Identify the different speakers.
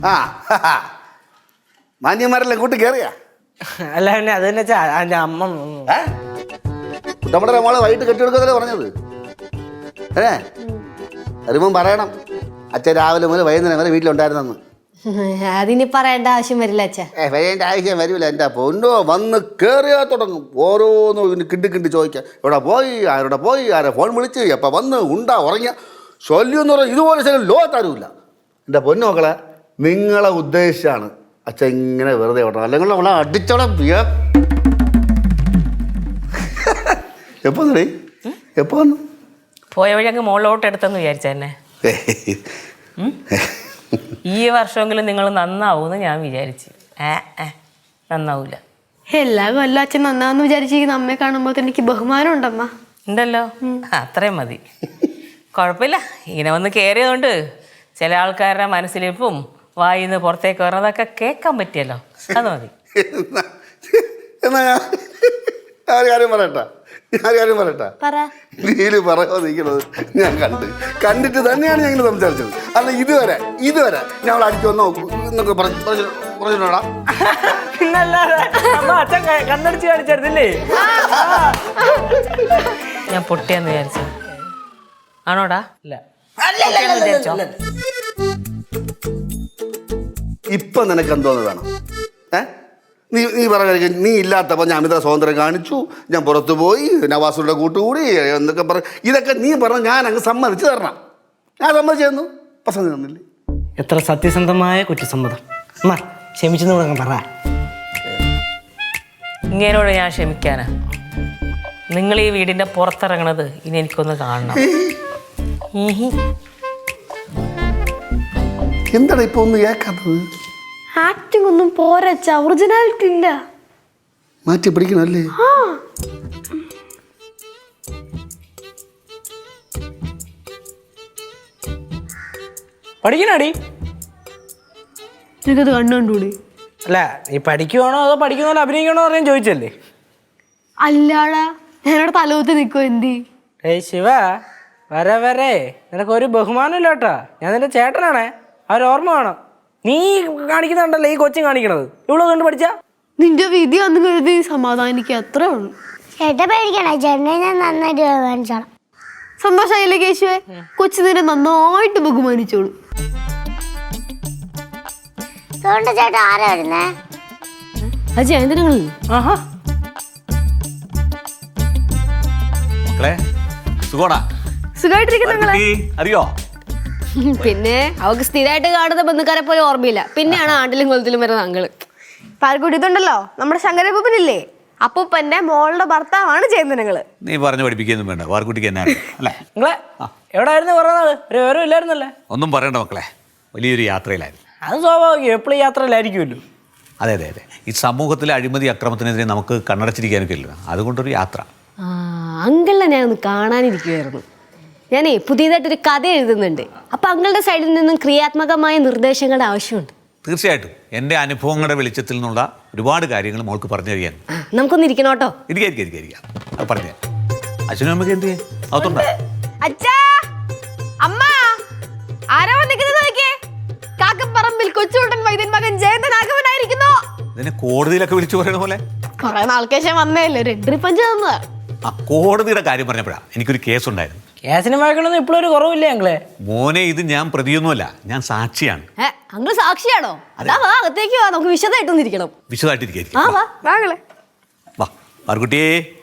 Speaker 1: ആ മാന്യന്മാരെല്ലാം കൂട്ടി കയറിയാ?
Speaker 2: അല്ല പിന്നെ അത് തന്നെ അതിന്റെ അമ്മ
Speaker 1: നമ്മുടെ മോളെ വൈകിട്ട് കെട്ടിയെടുക്കതല്ലേ പറഞ്ഞത്. വരുമ്പം പറയണം അച്ഛൻ രാവിലെ മുതൽ വൈകുന്നേരം വരെ വീട്ടിലുണ്ടായിരുന്നെന്ന്.
Speaker 3: അതിനി പറയേണ്ട ആവശ്യം വരില്ല അച്ഛാ.
Speaker 1: വരേണ്ട ആവശ്യം വരില്ല. എൻ്റെ പൊന്നോ വന്ന് കയറിയാ തുടങ്ങും ഓരോന്നും ഇതിന് കിണ്ടി ചോദിക്കാം. എവിടെ പോയി, ആരോടെ പോയി, ആരെ ഫോൺ വിളിച്ച്, എപ്പോൾ വന്ന് ഉണ്ടാ ഉറങ്ങിയ ശല്യം എന്ന് പറഞ്ഞാൽ ഇതുപോലെ ശല്യം ലോകത്താരുമില്ല. എൻ്റെ പൊന്നു മക്കളെ, നിങ്ങളെ ഉദ്ദേശിച്ചാണ് അച്ഛൻ ഇങ്ങനെ വെറുതെ വിടണം. അല്ലെങ്കിൽ അവളെ അടിച്ചോളെ എപ്പോ എപ്പോ വന്നു
Speaker 4: പോയ വഴി അങ്ങ് മുകളിലോട്ട് എടുത്തെന്ന് വിചാരിച്ചെന്നെ. ഈ വർഷമെങ്കിലും നിങ്ങൾ നന്നാവൂന്ന് ഞാൻ വിചാരിച്ചു. നന്നാവൂല.
Speaker 3: എല്ലാ കൊല്ലം അച്ഛൻ നന്നാന്ന് വിചാരിച്ചിരിക്കുന്ന അമ്മയെ കാണുമ്പോൾ എനിക്ക് ബഹുമാനം ഉണ്ടമ്മ.
Speaker 4: ഉണ്ടല്ലോ, അത്രയും മതി. കുഴപ്പമില്ല. ഇങ്ങനെ വന്ന് കയറിയതുകൊണ്ട് ചില ആൾക്കാരുടെ മനസ്സിലിപ്പും വായിന്ന് പുറത്തേക്ക് വരുന്നതൊക്കെ കേൾക്കാൻ പറ്റിയല്ലോ, അത് മതി.
Speaker 1: എന്നാ ഞാൻ കാര്യം പറയട്ടാ. നീല് പറയാ നിൽക്കണത് ഞാൻ കണ്ടിട്ട് തന്നെയാണ് ഞങ്ങൾ സംസാരിച്ചത്. അല്ല ഇതുവരെ ഞാൻ അവളെ അടിച്ചു വന്നോ എന്നൊക്കെ പറഞ്ഞോടാ.
Speaker 2: കണ്ണടിച്ച് കാണിച്ചെടുത്തില്ലേ?
Speaker 4: ഞാൻ പൊട്ടിയെന്ന് വിചാരിച്ചു ആണോടാ?
Speaker 2: ഇല്ല.
Speaker 1: ഇപ്പൊ നിനക്ക് എന്തോന്ന് വേണം? നീ പറഞ്ഞ നീ ഇല്ലാത്തപ്പോൾ ഞാൻ അമിത സ്വാതന്ത്ര്യം കാണിച്ചു, ഞാൻ പുറത്തു പോയി, നവാസുടെ കൂട്ടുകൂടി എന്നൊക്കെ ഇതൊക്കെ നീ പറഞ്ഞ ഞാൻ അങ്ങ് സമ്മതിച്ചു തരണം. ഞാൻ സമ്മതിച്ചു പസന്ത് തന്നില്ലേ?
Speaker 2: എത്ര സത്യസന്ധമായ കുറ്റസമ്മതം. ക്ഷമിച്ചെന്ന് കൂടെ പറ.
Speaker 4: ഇങ്ങനോട് ഞാൻ ക്ഷമിക്കാനാ? നിങ്ങൾ ഈ വീടിന്റെ പുറത്തിറങ്ങണത് ഇനി എനിക്കൊന്ന് കാണണം.
Speaker 1: എന്താണ് ഇപ്പൊ ഒന്ന് കേൾക്കാത്തത്?
Speaker 3: ആക്ടിംഗ് ഒന്നും പോരച്ച, ഒറിജിനാലിറ്റി ഇല്ല.
Speaker 1: മാറ്റി പിടിക്കണല്ലേ?
Speaker 2: പഠിക്കണടി?
Speaker 3: എനിക്കത് കണ്ടുകൂടി.
Speaker 2: അല്ല നീ പഠിക്കുവാണോ അതോ പഠിക്കുന്ന അഭിനയിക്കണോ അറിയാൻ ചോദിച്ചല്ലേ?
Speaker 3: അല്ലാടാ, ഞാനവിടെ തലകുത്തി നിൽക്കുമോ എന്തി?
Speaker 2: ശിവ, വരെ നിനക്കൊരു ബഹുമാനം ഇല്ല കേട്ടാ. ഞാൻ നിന്റെ ചേട്ടനാണേ, ഓർമ്മ വേണം. നീ കാണിക്കുന്നുണ്ടല്ലോ ഈ കൊച്ചും കാണിക്കണത്. ഇവള് കണ്ടു പഠിച്ച
Speaker 3: നിന്റെ വിധി വന്നു കരുതി സമാധാനിക്കുക, അത്രേ ഉള്ളൂ.
Speaker 5: ചേട്ടാ പേടിക്കണേ, ചേട്ടനെ ഞാൻ നന്നായിട്ട് ബഹുമാനിച്ചോളാം.
Speaker 3: സന്തോഷമായില്ലേ കേശുവേ? കൊച്ചു നിന്നെ നന്നായിട്ട് ബഹുമാനിച്ചോളൂ.
Speaker 5: അതുകൊണ്ട് ചേട്ടാ ആരാ വരുന്നേ?
Speaker 3: അത് ജയന്തനങ്ങൾ. സുഖമായിട്ടിരിക്കുന്ന
Speaker 6: അറിയോ?
Speaker 3: പിന്നെ അവക്ക് സ്ഥിരമായിട്ട് കാണുന്ന ബന്ധുക്കാരെ പോലെ ഓർമ്മയില്ല. പിന്നെയാണ് ആണ്ടിലും കൊലത്തിലും വരുന്ന അങ്ങള്. പാൽക്കുടി ഇതുണ്ടല്ലോ, നമ്മുടെ ശങ്കരപ്പൂപ്പനില്ലേ, അപ്പൂപ്പന്റെ മോളുടെ ഭർത്താവാണ് ജയന്തനങ്ങള്.
Speaker 6: നീ പറഞ്ഞു പഠിപ്പിക്കൊന്നും വേണ്ട, വാർക്കുട്ടിക്ക് എന്നാ അല്ലേ?
Speaker 2: നിങ്ങളെ എവിടെയായിരുന്നു കുറേ നാള്? ഒരു വിവരം ഇല്ലായിരുന്നല്ലേ?
Speaker 6: ഒന്നും പറയണ്ട മക്കളെ, വലിയൊരു യാത്രയിലായിരുന്നു.
Speaker 2: അത് സ്വാഭാവികം, എപ്പോഴും യാത്രയിലായിരിക്കുമല്ലോ.
Speaker 6: അതെ. ഈ സമൂഹത്തിലെ അഴിമതി അക്രമത്തിനെതിരെ നമുക്ക് കണ്ണടച്ചിരിക്കാനൊക്കെ ഇല്ല, അതുകൊണ്ടൊരു യാത്ര.
Speaker 3: അങ്കിളിനെ ഞാൻ ഒന്ന് കാണാനിരിക്കുമായിരുന്നു. ഞാനേ പുതിയതായിട്ടൊരു കഥ എഴുതുന്നുണ്ട്. അപ്പം അങ്കിളുടെ സൈഡിൽ നിന്നും ക്രിയാത്മകമായ നിർദ്ദേശങ്ങളുടെ ആവശ്യമുണ്ട്.
Speaker 6: തീർച്ചയായിട്ടും എൻ്റെ അനുഭവങ്ങളുടെ വെളിച്ചത്തിൽ നിന്നുള്ള ഒരുപാട് കാര്യങ്ങൾ മോൾക്ക് പറഞ്ഞു തരികയാണ്.
Speaker 3: നമുക്കൊന്ന് ഇരിക്കണം കേട്ടോ.
Speaker 6: ഇരിക്കാം. അത് പറഞ്ഞു അച്ഛനും അമ്മയ്ക്ക് എന്ത് ചെയ്യാം? അകത്തുണ്ടോ?
Speaker 3: അച്ഛാ, അമ്മ, ആരാ വന്നിരിക്കുന്നത് നോക്കിയേ? കാക്കപ്പറമ്പിൽ കൊച്ചുകുട്ടൻ വൈദ്യൻ മകൻ ജയന്തൻ ആഗമനായിരിക്കുന്നു.
Speaker 6: ഇതിനെ കോടതിയിലൊക്കെ വിളിച്ചു പറയുന്ന പോലെ
Speaker 3: കുറെ നാൾക്ക് ശേഷം വന്നേല്ലേ, ഒരു എൻട്രി പഞ്ച് തന്നതാ.
Speaker 6: ആ കോടതിയുടെ കാര്യം പറഞ്ഞപ്പോഴാണ് എനിക്കൊരു കേസുണ്ടായിരുന്നു.
Speaker 2: കേസിന് വഴക്കണമെന്ന് ഇപ്പോഴും ഒരു കുറവില്ലേ ഞങ്ങളെ?
Speaker 6: മോനെ, ഇത് ഞാൻ പ്രതിയൊന്നുമല്ല, ഞാൻ സാക്ഷിയാണ്.
Speaker 3: അങ്കിൾ സാക്ഷിയാണോ? അതാ വാ, അകത്തേക്ക് വാ, നമുക്ക് വിശദമായിട്ടൊന്നിരിക്കണം.
Speaker 6: വിശദമായിട്ടിരിക്കും.
Speaker 3: വാ വാ വാ
Speaker 6: വാർക്കുട്ടിയേ.